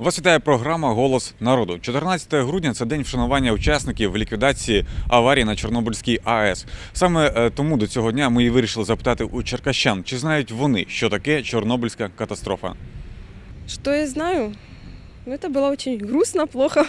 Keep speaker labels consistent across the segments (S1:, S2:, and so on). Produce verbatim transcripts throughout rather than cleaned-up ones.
S1: Вас вітає програма «Голос народу». чотирнадцяте грудня – це день вшанування учасників ліквідації аварії на Чорнобильській АЕС. Саме тому до цього дня ми і вирішили запитати у черкащан, чи знають вони, що таке Чорнобильська катастрофа.
S2: Что я знаю? Ну, это было очень грустно, плохо.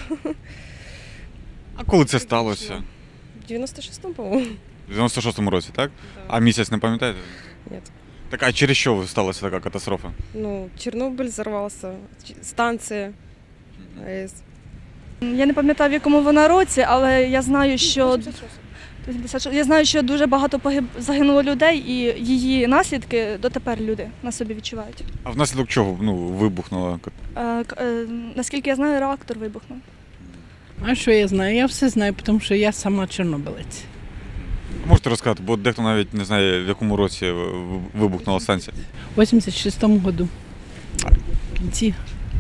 S1: А коли це сталося?
S2: В девяносто шестом, по-моему.
S1: В дев'яносто шостому році, так?
S2: Да.
S1: А місяць не пам'ятаєте?
S2: Нет.
S1: Так, а через що сталася така катастрофа?
S2: Ну, Чернобыль взорвался, ч- станция АЭС.
S3: Я не пам'ятаю, в якому вона році, але я знаю, що
S2: вісімдесят шостий.
S3: я знаю, що дуже багато погиб... загинуло людей, і її наслідки дотепер люди на собі відчувають.
S1: А внаслідок чого ну, вибухнула?
S3: Е, к- е, наскільки я знаю, реактор вибухнув.
S4: А що я знаю? Я все знаю, тому що я сама чорнобилець.
S1: Можете розказати, бо дехто навіть не знає, в якому році вибухнула станція.
S4: У вісімдесят шостому году. В кінці.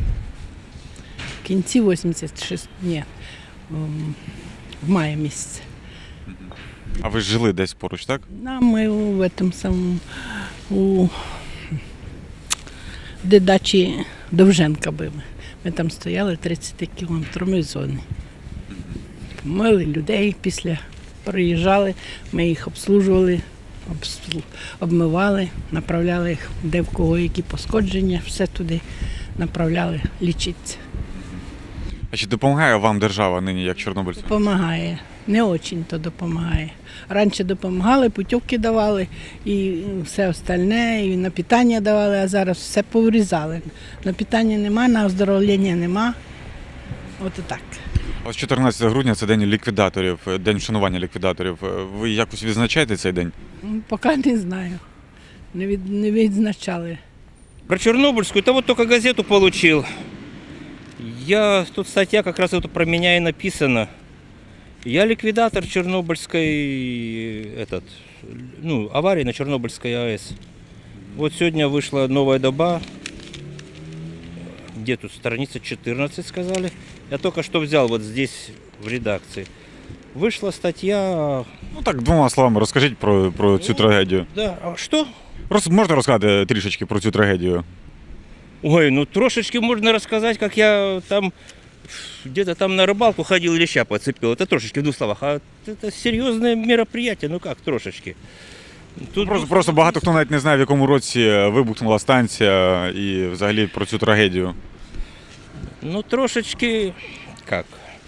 S4: В кінці вісімдесят шостого, ні, ем, в маї місяці.
S1: А ви ж жили десь поруч, так?
S4: А ми у этом самому, у де дачі Довженка були. Ми там стояли тридцять кілометрової зони. Мили людей після приїжджали, ми їх обслужували, обслу- обмивали, направляли їх, де в кого які пошкодження, все туди направляли лічитися.
S1: А чи допомагає вам держава нині, як чорнобильцям?
S4: Допомагає, не дуже то допомагає. Раніше допомагали, путівки давали і все остальне, і на питання давали, а зараз все поврізали. На питання нема, на оздоровлення нема. От і так.
S1: Ось чотирнадцяте грудня – це день ліквідаторів, день вшанування ліквідаторів. Ви якось відзначаєте цей день?
S4: Ну, поки не знаю. Не, від, не відзначали.
S5: Про Чернобыльскую, это вот только газету получил. Я, тут статья как раз вот про меня и написана. Я ликвидатор Чернобыльской, этот, ну, аварии на Чернобыльской АЭС. Вот сегодня вышла новая доба. Где тут страница четырнадцать сказали. Я только что взял вот здесь в редакции. Вышла статья.
S1: Ну так, двома словами розкажіть про, про цю
S5: Ну,
S1: трагедію.
S5: Да, а что?
S1: Роз, можете розказати трішечки про цю трагедію?
S5: Ой, ну трошечки можно рассказать, как я там где-то там на рыбалку ходил, леща подцепил. Это трошечки в двух словах. А это серьезное мероприятие, ну как трошечки. Тут
S1: Просто, просто багато хто навіть не знає, в якому році вибухнула станція і взагалі про цю трагедію.
S5: Ну трошечки, как?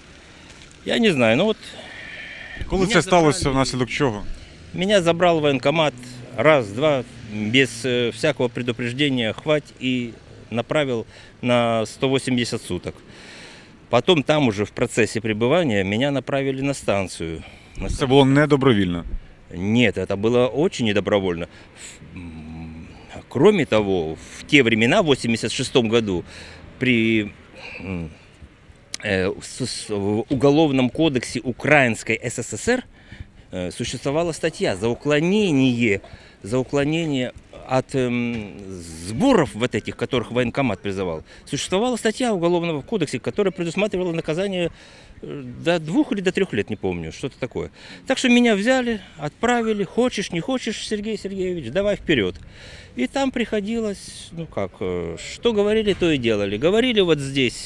S5: Я не знаю, ну вот
S1: Коли
S5: Мене
S1: це сталося,
S5: забрали.
S1: внаслідок чого?
S5: меня забрал военкомат раз, два, без э, всякого предупреждения, хвать, и направил на сто восемьдесят суток. Потом там уже в процессе пребывания меня направили на станцию. На
S1: Це було недобровільно.
S5: Нет, это было очень недобровольно. Ф- м, Кроме того, в те времена, в восемьдесят шестом году, при м, э, с- с- в Уголовном кодексе Украинской СССР э, существовала статья за уклонение, за уклонение от эм, сборов вот этих, которых военкомат призывал. Существовала статья Уголовного кодекса, которая предусматривала наказание э, до двух или до трех лет, не помню, что-то такое. Так что меня взяли, отправили, хочешь, не хочешь, Сергей Сергеевич, давай вперед. И там приходилось, ну как, э, что говорили, то и делали. Говорили вот здесь,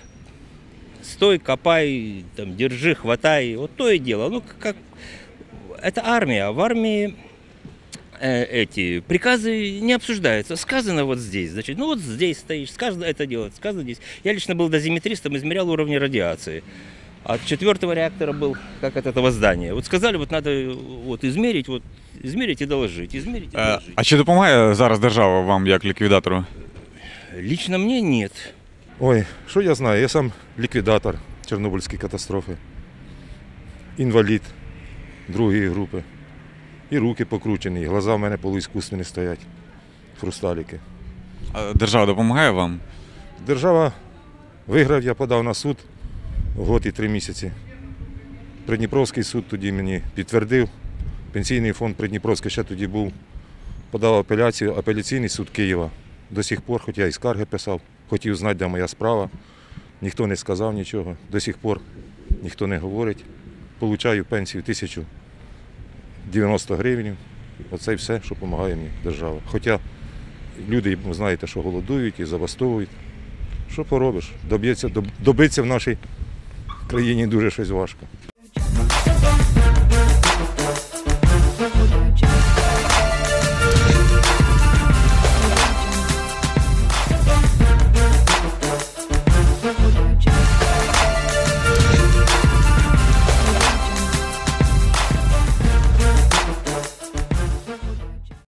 S5: стой, копай, там, держи, хватай, вот то и дело. Ну как, это армия, в армии э, эти приказы не обсуждаются. Сказано вот здесь, значит, ну вот здесь стоишь, сказано это делать, сказано здесь. Я лично был дозиметристом, измерял уровни радиации. От четвертого реактора был, как от этого здания. Вот сказали, вот надо вот измерить, вот измерить и доложить, измерить и
S1: Е,
S5: доложить.
S1: А чи допомагає зараз держава вам як ліквідатору?
S5: Лично мне нет.
S6: Ой, що я знаю? Я сам ліквідатор Чорнобильської катастрофи. Інвалід другої групи. І руки покручені, і глаза в мене полуіскусні стоять. Хрусталіки.
S1: А держава допомагає вам?
S6: Держава виграв, я подав на суд год і три місяці. Придніпровський суд тоді мені підтвердив. Пенсійний фонд Придніпровський ще тоді був. Подав апеляцію, апеляційний суд Києва. До сих пор, хоч я і скарги писав, хотів знати, де моя справа. Ніхто не сказав нічого. До сих пор ніхто не говорить. Получаю пенсію тисячу дев'яносто гривень. Оце і все, що допомагає мені держава. Хоча люди, ви знаєте, що голодують і забастовують. Що поробиш? Доб'ється, доб- добитися в нашій країні дуже щось важко.